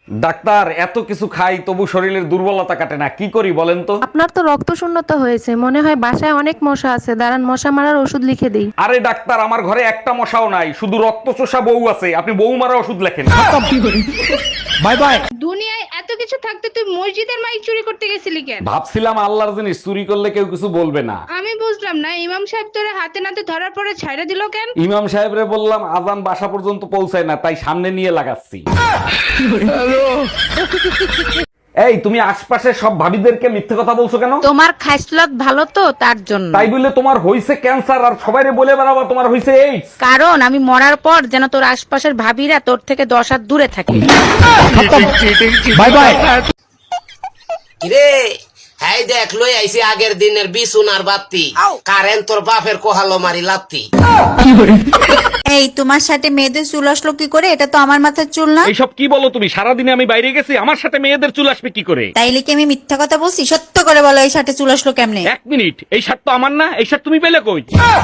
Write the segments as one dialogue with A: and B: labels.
A: Doctor, এত কিছু খাই তবু শরীরের দুর্বলতা কাটে না, কি করি বলেন তো?
B: আপনার তো রক্ত শূন্যতা হয়েছে, মনে হয় বাসায় অনেক মশা আছে, দাঁড়ান মশা মারার ওষুধ লিখে দিই।
A: আরে ডাক্তার, আমার ঘরে একটা মশাও নাই, শুধু রক্ত চোষা বউ আছে, আপনি বউ মারা ওষুধ লেখেন। Bye bye.
C: দুনিয়ায় এত কিছু থাকতে তুই মসজিদের মাইক চুরি করতে গেছিলি কেন?
A: ভাবছিলাম আল্লাহর জিনিস চুরি করলে কেউ কিছু বলবে না।
C: আমি বুঝলাম না, ইমাম সাহেব তোরে হাতে নাতে ধরার পরে ছাইড়া দিল কেন?
A: ইমাম সাহেবরে বললাম আজান বাসা পর্যন্ত পৌঁছায় না, তাই সামনে নিয়ে লাগাচ্ছি। এই, তুমি আশপাশের সব ভাবিদেরকে মিথ্যে কথা বলছো কেন?
B: তোমার খাইসলত ভালো তো তার জন্য।
A: তাই বললে তোমার হইছে ক্যান্সার আর সবাইরে বলে বেড়াবা তোমার হইছে এইডস?
B: কারণ আমি মরার পর যেন তোর আশপাশের ভাবিরা তোর থেকে 10 হাত দূরে থাকে।
A: Bye bye.
D: কিরে হাই দেখ লই আইছি আগের দিনের বিছুনার বাতি, কারেন্ট তোর বাপের কোহালো মারি লাত্তি।
E: এই তোমার সাথে মেয়েদের চুল আসলো কি করে? এটা তো আমার মাথার চুল না।
A: এইসব কি বলো তুমি? সারাদিনে আমি বাইরে গেছি, আমার সাথে মেয়েদের চুল আসবে কি করে?
E: তাইলে কি আমি মিথ্যা কথা বলছি? সত্য করে বলো, এই সাথে চুল আসলো কেমনে?
A: এক মিনিট, এই শার্ট তো আমার না, এই শার্ট তুমি পেলে কই?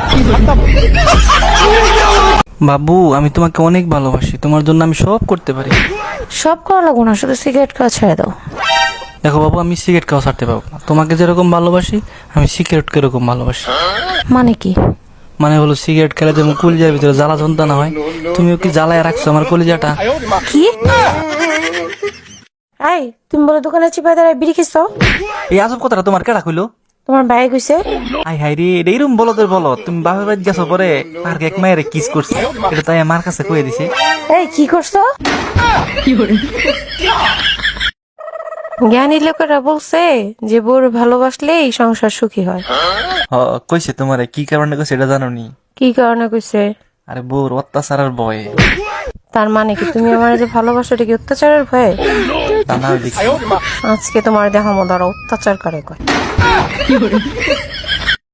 F: বাবু, আমি তোমাকে অনেক ভালোবাসি, তোমার জন্য আমি সব করতে পারি।
B: সব করা লাগবো না, শুধু সিগারেট খাওয়া ছেড়ে দাও।
F: দেখো বাবু, আমি সিগারেট খাওয়া ছাড়তে পারবো না। তোমাকে যেরকম ভালোবাসি আমি সিগারেটকে এরকম ভালোবাসি।
B: মানে কি?
F: মানে হলো সিগারেট খেলে যেমন কলিজার ভিতরে জ্বালা যন্ত্রণা হয়, তুমিও কি জ্বালায় রাখছো আমার কলিজাটা?
B: কি? এই, তুমি বলে দোকানে চিপাই দাঁড়ায় বিড়ি খেছো?
F: এই আজব কথাটা তোমার কেডা কইলো?
B: তোমার ভাই কইছে।
F: আই হাই রে, এইরকম বলো তোর বলো, তুমি বাপের বাড়ি গেছো পরে পার্কে এক মায়ের কিস করছে, এটা তাই আমার কাছে কয়ে দিছে।
B: এই কি করছো? জ্ঞানী লোকেরা বলছে যে বউর ভালোবাসলেই সংসার সুখী হয়।
F: কইছে তোমারে কি কারণে কইছে এটা জানো নি?
B: কি কারণে কইছে?
F: আরে বউর অত্যাচারের ভয়ে।
B: তার মানে কি তুমি আমার যে ভালোবাসো এটা কি অত্যাচারের ভয়ে?
F: তা না দেখি
B: আজকে তোমার দেখামো, ধরো অত্যাচার করে কয়।